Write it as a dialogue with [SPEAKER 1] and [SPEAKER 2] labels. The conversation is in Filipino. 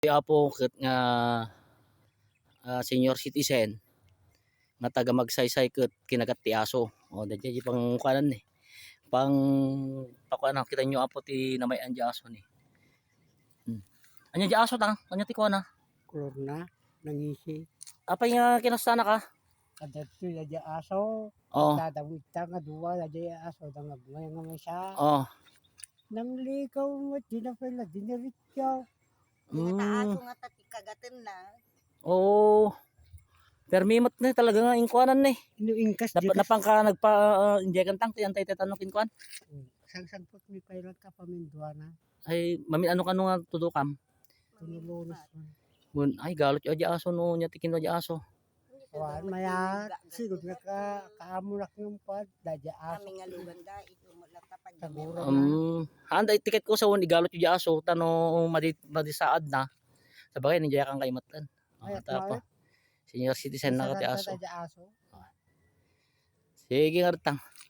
[SPEAKER 1] Apo ket nga senior citizen nga taga magsaysay ket kinagat ti aso. O dadya pang kuanan ni. Pang pakuan kita nyo apo ti namayan di aso ni. Anya di aso tang, anya ti kuana.
[SPEAKER 2] Kulor na, nangisi.
[SPEAKER 1] Apay nga kinastana ka?
[SPEAKER 2] Kadagto ya di aso.
[SPEAKER 1] Oh.
[SPEAKER 2] Dadawid ta nga duwa ya di aso. Dangag nga may siya.
[SPEAKER 1] Oh.
[SPEAKER 2] Nang likaw mo, di na pala, dinirityaw.
[SPEAKER 3] Nga aso nga tati kagatin na.
[SPEAKER 1] Oh. Permimot na talaga nga inkuanan ni.
[SPEAKER 2] Inuingkas
[SPEAKER 1] Napangka nagpa-injekan tang ti antay tetanong kinkuan.
[SPEAKER 2] Sang-sangpot mi pailan ka paminduana.
[SPEAKER 1] Ay mamin ano nga tudukam.
[SPEAKER 2] Tunulunos man.
[SPEAKER 1] Ay galot yo di aso no nya tikin di aso.
[SPEAKER 2] Wan maya sigud nga kaamunak ng pad dadya aso.
[SPEAKER 3] Kami nga lugan da ito mulata pa
[SPEAKER 2] Tagura
[SPEAKER 1] Handa tiket ko sa won igalot yo di aso tano madisaad na. Sabagay nandiya kang kaimatan. Tapa. Senior citizen na ka ti aso. Sige nga tang.